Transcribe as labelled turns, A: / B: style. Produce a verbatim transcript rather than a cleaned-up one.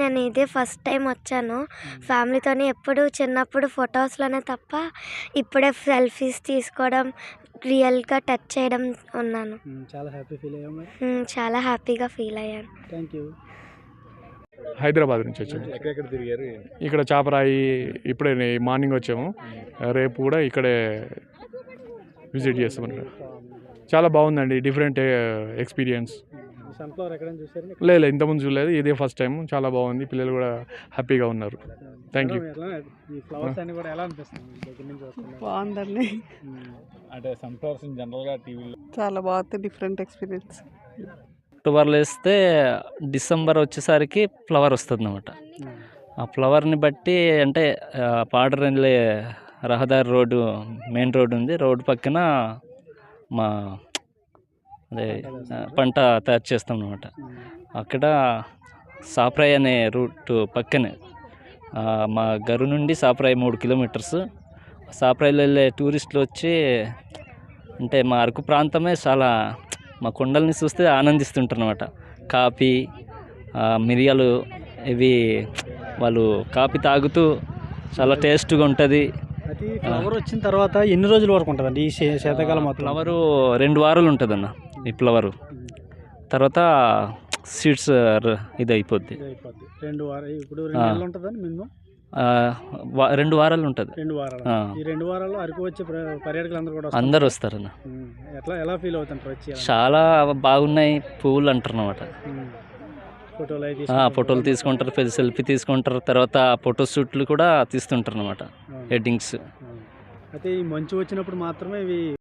A: నేను ఇదే first time వచ్చాను ఫ్యామిలీతోని. ఎప్పుడు చిన్నప్పుడు ఫొటోస్లోనే తప్ప ఇప్పుడే సెల్ఫీస్ తీసుకోవడం, రియల్గా టచ్ చేయడం ఉన్నాను.
B: చాలా హ్యాపీ ఫీల్ అయ్యాము.
A: మ్, చాలా హ్యాపీగా ఫీల్ అయ్యాను.
B: Thank you.
C: హైదరాబాద్ నుంచి వచ్చాము.
B: ఎక్కడెక్కడ తిరిగారు?
C: ఇక్కడ చాపరాయి ఇప్పుడే మార్నింగ్ వచ్చాము. రేపు కూడా ఇక్కడే విజిట్ చేస్తామన్నమాట. చాలా బాగుందండి, డిఫరెంట్ ఎక్స్పీరియన్స్.
B: సన్ఫ్లవర్ ఎక్కడైనా చూసారు?
C: లేదు, ఇంతకుముందు చూడలేదు, ఇదే ఫస్ట్ టైం. చాలా బాగుంది, పిల్లలు కూడా హ్యాపీగా ఉన్నారు. Thank you.
B: ఈ ఫ్లవర్స్ అన్ని కూడా ఎలా అనిపిస్తుంది దగ్గర నుంచి వస్తున్నాయి?
D: బాగుందండి,
B: అంటే సన్ఫ్లవర్స్ జనరల్గా టీవీలో
D: చాలా బాగుంది, డిఫరెంట్ ఎక్స్పీరియన్స్.
E: అక్టోబర్లో వేస్తే డిసెంబర్ వచ్చేసరికి ఫ్లవర్ వస్తుంది అన్నమాట. ఆ ఫ్లవర్ని బట్టి అంటే పాడర్ వెళ్ళే రహదారి రోడ్డు, మెయిన్ రోడ్డు ఉంది, రోడ్డు పక్కన మా అదే పంట తయారు చేస్తాం అన్నమాట. అక్కడ సాప్రాయ్ అనే రూట్ పక్కనే మా గరు నుండి సాప్రాయ్ మూడు కిలోమీటర్స్. సాప్రాయ్లో వెళ్ళే టూరిస్టులు వచ్చి అంటే మా అరకు ప్రాంతమే చాలా, మా కొండల్ని చూస్తే ఆనందిస్తుంటారు అన్నమాట. కాఫీ, మిరియాలు ఇవి వాళ్ళు కాఫీ తాగుతూ చాలా టేస్ట్గా ఉంటుంది.
B: అది ఫ్లవర్ వచ్చిన తర్వాత ఎన్ని రోజుల వరకు ఉంటుందండి ఈ శీ- శీతాకాలం మొత్తం?
E: ఫ్లవరు రెండు వారాలు ఉంటుందన్న ఈ ఫ్లవరు. తర్వాత సీడ్స్ ఇది అయిపోద్ది.
B: ఇది అయిపోద్ది. రెండు వారాలు ఇప్పుడు రెండు నెలలు ఉంటుందని మినిమం
E: ఆ, వా- రెండు వారాలు ఉంటుంది.
B: రెండు వారాలు.
E: ఆ.
B: ఈ రెండు వారాల్లో అరకు వచ్చే ప్ర- పర్యాటకులు అందరూ కూడా వస్తారు.
E: అందరు వస్తారన్న.
B: ఉమ్. ఎట్లా ఎలా ఫీల్ అవుతుంటారు వచ్చి? ఎలా?
E: చాలా బాగున్నాయి పువ్వులు అంటారు అన్నమాట.
B: ఉమ్. ఫోటోలు అవి
E: ఆ,
B: తీసుకుంటారు.
E: ఫోటోలు తీసుకుంటారు, సెల్ఫీ తీసుకుంటారు, తర్వాత ఫోటో షూట్లు కూడా తీస్తుంటారు అన్నమాట,
B: అవును.
E: హెడ్డింగ్స్.
B: అవును. అయితే ఈ మంచు వచ్చినప్పుడు మాత్రమే ఇవి